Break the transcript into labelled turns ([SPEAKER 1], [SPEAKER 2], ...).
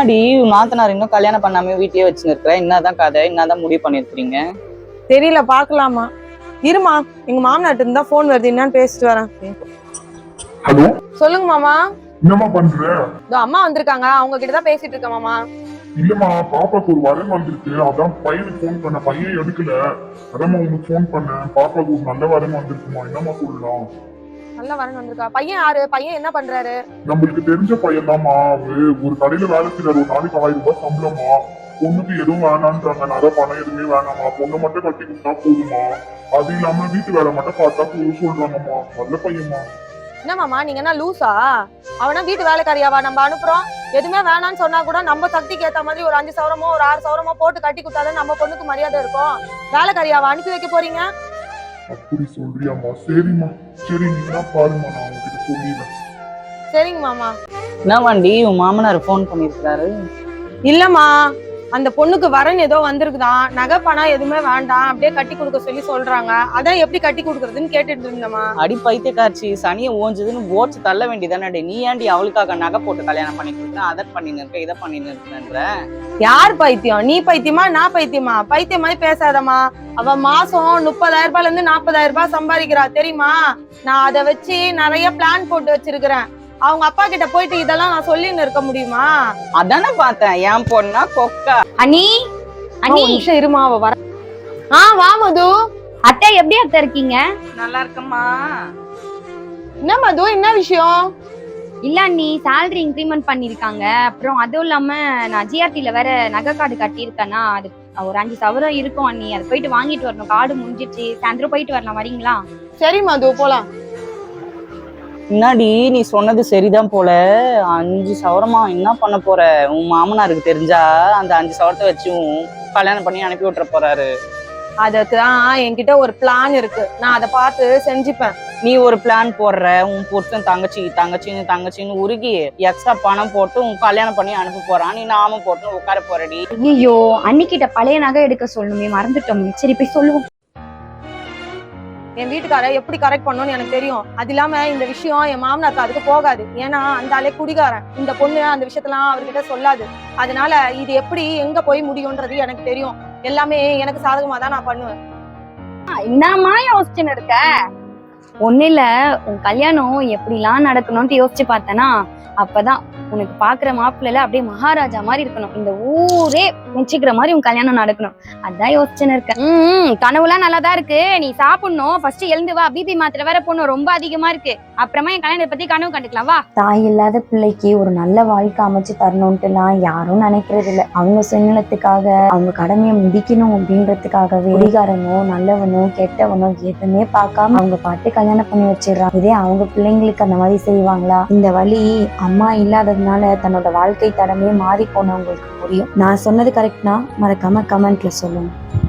[SPEAKER 1] என்னடி நாத்தனார் இன்னும் கல்யாணம் பண்ணாம வீட்லயே வச்சுன்னு இருக்கிற? என்னதான் கதை, என்னதான் முடிவு பண்ணிருக்கீங்க?
[SPEAKER 2] தெரியல, பாக்கலாமா? இருமா, எங்க மாமனாட்டு இருந்தா போன் வருது, என்னன்னு பேசிட்டு வரேன்.
[SPEAKER 3] ஹலோ,
[SPEAKER 2] சொல்லுங்க மாமா.
[SPEAKER 3] என்னம்மா பண்ற?
[SPEAKER 2] இதோ அம்மா வந்திருக்காங்க, அவங்க கிட்டதான் பேசிட்டு இருக்கேன் மாமா.
[SPEAKER 3] இல்லம்மா, பாப்பாக்கு ஒரு வரன் வந்திருக்கு, அதான் பையனுக்கு போன் பண்ண, பையன் எடுக்கல, அதாம்மா உனக்கு போன் பண்ணேன். பாப்பாக்கு ஒரு நல்ல வரன் வந்திருக்குமா, என்னம்மா சொல்லலாம்?
[SPEAKER 2] நல்ல வரன் வந்திருக்கா? பையன் யாரு? பையன் என்ன பண்றாரு?
[SPEAKER 3] நம்மளுக்கு தெரிஞ்ச பையன் தான்மா. ஒரு கடையில வேலை செய்யறாரு, ஒரு நாளைக்கு 1000 ரூபாய் சம்பளமா. பொண்ணுக்கு எதுவும் வேணான்றாங்க, நிறைய பணம் எதுவுமே வேணாமா, பொண்ணை மட்டும் கட்டி கொடுத்தா போதுமா, அது இல்லாம வீட்டு வேலை மட்டும் பார்த்தா போதும் சொல்றாங்கம்மா. நல்ல பையன்மா.
[SPEAKER 2] என்ன மாமா, நீங்க என்ன லூசா? அவனா வீட்டு வேலைக்காரியாவா நம்ம அனுப்புறோம்? எதுவுமே வேணான்னு சொன்னா கூட நம்ம சக்திக்கு ஏத்த மாதிரி ஒரு 5 சவரமோ ஒரு 6 சவரமோ போட்டு கட்டி கொடுத்தாதான் நம்ம பொண்ணுக்கு மரியாதை இருக்கும். வேலைக்காரியாவா அனுப்பி வைக்க போறீங்க?
[SPEAKER 3] அப்படி சொல்றியாம்மா? சரிம்மா, சரி, நீங்க பாருமா, நான் உங்ககிட்ட சொல்லிடுறேன்.
[SPEAKER 2] சரிங்க மாமா.
[SPEAKER 1] என்ன வண்டி, உன் மாமனார் போன் பண்ணிருக்காரு?
[SPEAKER 2] இல்லம்மா, அந்த பொண்ணுக்கு வரன் ஏதோ வந்திருக்குதான், நகை பணம் எதுவுமே வேண்டாம், அப்படியே கட்டி கொடுக்க சொல்லி சொல்றாங்க. அதான் எப்படி கட்டி கொடுக்கறதுன்னு கேட்டுட்டு இருந்தம்மா.
[SPEAKER 1] அடி பைத்தியக்காட்சி, சனியை ஓஞ்சுதுன்னு ஓச்சு தள்ள வேண்டியதானே. நீ ஏன்டி அவளுக்காக நகை போட்டு கல்யாணம் பண்ணி கொடுக்குற? அதை பண்ணின்னு இருக்க, இதை பண்ணின்னு இருக்கன்ற.
[SPEAKER 2] யார் பைத்தியம்? நீ பைத்தியமா நான் பைத்தியமா? பைத்தியம் மாதிரி பேசாதம்மா. அவ மாசம் 30,000 ரூபாய்ல இருந்து 40,000 ரூபாய் சம்பாதிக்கிறா தெரியுமா? நான் அதை வச்சு நிறைய பிளான் போட்டு வச்சிருக்கிறேன். அவங்க அப்பா கிட்ட போயிட்டு இதெல்லாம் நான் சொல்லின்னு இருக்க முடியுமா?
[SPEAKER 1] அதானே பார்த்தேன், என் பொண்ணா கொக்கா.
[SPEAKER 4] அண்ணி, அண்ணி
[SPEAKER 2] நிமிஷம் இருமா, அவ வர. வா மது.
[SPEAKER 4] அத்தை எப்படி அத்தை இருக்கீங்க?
[SPEAKER 1] நல்லா இருக்கம்மா.
[SPEAKER 2] என்ன மது, என்ன விஷயம்?
[SPEAKER 4] இல்ல அண்ணி, சேலரி இன்க்ரிமெண்ட் பண்ணிருக்காங்க. அப்புறம் அதுவும் இல்லாம நான் ஜிஆர்டில வேற நகை கார்டு கட்டியிருக்கேன்னா, அது ஒரு 5 சவரம் இருக்கும் அண்ணி. அதை போயிட்டு வாங்கிட்டு வரணும். கார்டு முடிஞ்சிச்சு, சாயந்தரம் போயிட்டு வரலாம், வரீங்களா?
[SPEAKER 2] சரி மது, போலாம்.
[SPEAKER 1] முன்னாடி நீ சொன்னது சரிதான் போல. 5 சவரமா என்ன பண்ண போற? உன் மாமனாருக்கு தெரிஞ்சா அந்த 5 சவரத்தை வச்சு கல்யாணம் பண்ணி அனுப்பி விட்டுற போறாரு.
[SPEAKER 2] அதுதான் என்கிட்ட ஒரு பிளான் இருக்கு, நான் அதை பார்த்து செஞ்சுப்பேன்.
[SPEAKER 1] நீ ஒரு பிளான் போடுற, உன் புருஷன் தங்கச்சின்னு உருகி எக்ஸ்ட்ரா பணம் போட்டு உன் கல்யாணம் பண்ணி அனுப்ப போறான். நீ நாமும் போட்டு உட்கார போறடி.
[SPEAKER 4] ஐயோ, அன்னிக்கிட்ட பழைய நகை எடுக்க சொல்லணுமே, மறந்துட்டோம். சரி போய் சொல்லுவோம்.
[SPEAKER 2] என் வீட்டுக்கார எப்படி கரெக்ட் பண்ணணும்னு எனக்கு தெரியும். அது இல்லாம இந்த விஷயம் என் மாமனாருக்கு அதுக்கு போகாது. ஏன்னா அந்த ஆளே குடிகாரன். இந்த பொண்ணு அந்த விஷயத்தெல்லாம் அவர்கிட்ட சொல்லாது. அதனால இது எப்படி எங்க போய் முடியும்ன்றது எனக்கு தெரியும். எல்லாமே எனக்கு சாதகமா தான் நான் பண்ணுவேன்.
[SPEAKER 4] என்னம்மா யோசிச்சுன்னு இருக்க? ஒண்ணு இல்ல, உன் கல்யாணம் எப்படிலாம் நடக்கணும்னு யோசிச்சு பார்த்தேன்னா, அப்பதான் உனக்கு பாக்குற மாப்பிள்ளைல அப்படியே மகாராஜா மாதிரி இருக்கணும். இந்த ஊரே மெச்சிக்கிற மாதிரி உன் கல்யாணம் நடக்கணும். அதான் யோசிச்சுன்னு இருக்கேன். கனவுலாம் நல்லாதான் இருக்கு. நீ சாப்பிடணும், ஃபர்ஸ்ட் எழுந்து வா. பிபி மாத்திரை வேற போடணும், ரொம்ப அதிகமா இருக்கு. அப்புறமா என் கல்யாணத்தை பத்தி கனவு கண்டுக்கலாம், வா.
[SPEAKER 5] தாய் இல்லாத பிள்ளைக்கு ஒரு நல்ல வாழ்க்கை அமைச்சு தரணும்ட்டுலாம் யாரும் நினைக்கிறது இல்லை. அவங்க சுயநலத்துக்காக, அவங்க கடமையை முடிக்கணும் அப்படின்றதுக்காகவே குடிகாரனோ நல்லவனோ கெட்டவனோ எதுவுமே பார்க்காம அவங்க பாட்டு கல்யாணம் பண்ணி வச்சிடறாங்க. இதே அவங்க பிள்ளைங்களுக்கு அந்த மாதிரி செய்வாங்களா? இந்த வழி அம்மா இல்லாததுனால தன்னோட வாழ்க்கை தடமே மாறி போனவங்களுக்கு புரியும். நான் சொன்னது கரெக்ட்னா மறக்காம கமெண்ட்ல சொல்லுங்க.